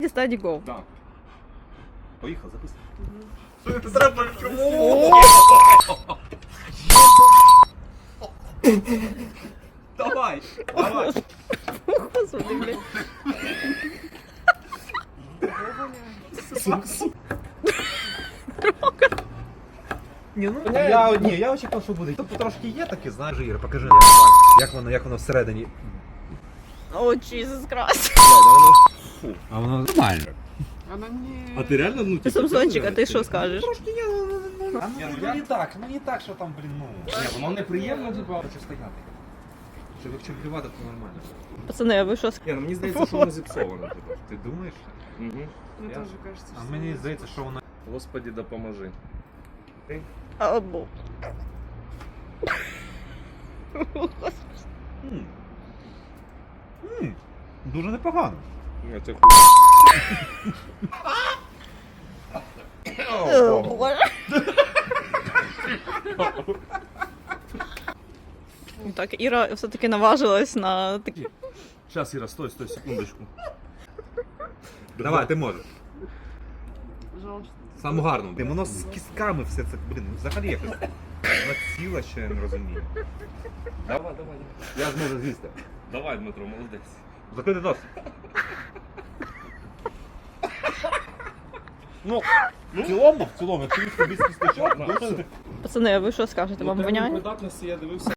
Стаді гол. Так. Поїхав, записуй. Треба чому? Давай, давай. Господи, блядь. Я очікував, що буде. Тут трошки є таке, знаєш, Ігор, покажи, як воно всередині. О, Jesus Christ. А воно нормально. А ти реально, ну, Ти Самсончик, а ти що скажеш? Трошки є, ну не так, що там, блін, ну. Ні, воно неприємно, типа. Хочу стояти. Щоб якщо плювати, то нормально. Пацани, а ви що скажете? Ні, ну мені здається, що воно зіпсовано, типа. Ти думаєш? Угу. Мне тоже кажется, А мені здається, що воно... Господи, допоможи. Або. Дуже непогано. Ні, це О, Боже. Так, Іра все-таки наважилась на такі. Сейчас, Іра, стой, секундочку. Давай, ти можеш. пожалуйста. Саму гарну. Воно з кістками все це, блін, взагалі якось. Вона ціла, що я не розумію. Давай. Я зможу з'їсти. Давай, Дмитро, молодець. Закрити нос. Ну, в цілому, якщо їсти без кісточок, дуже... Пацани, а ви що скажете? Вам воняє? Придатності я дивився.